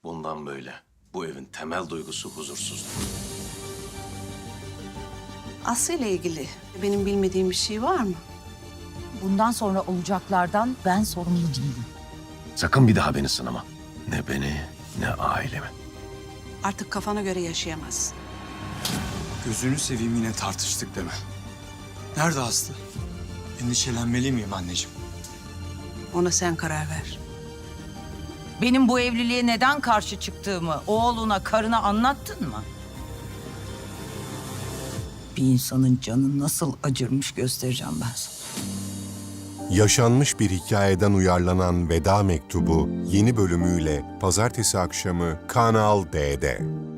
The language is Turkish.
Bundan böyle bu evin temel duygusu huzursuzluk. Aslı ile ilgili benim bilmediğim bir şey var mı? Bundan sonra olacaklardan ben sorumlu değilim. Sakın bir daha beni sınama. Ne beni ne ailemi. Artık kafana göre yaşayamazsın. Gözünü seveyim yine tartıştık deme. Nerede Aslı? Endişelenmeli miyim anneciğim? Ona sen karar ver. Benim bu evliliğe neden karşı çıktığımı oğluna, karına anlattın mı? Bir insanın canı nasıl acırmış göstereceğim ben sana. Yaşanmış bir hikayeden uyarlanan Veda Mektubu yeni bölümüyle pazartesi akşamı Kanal D'de.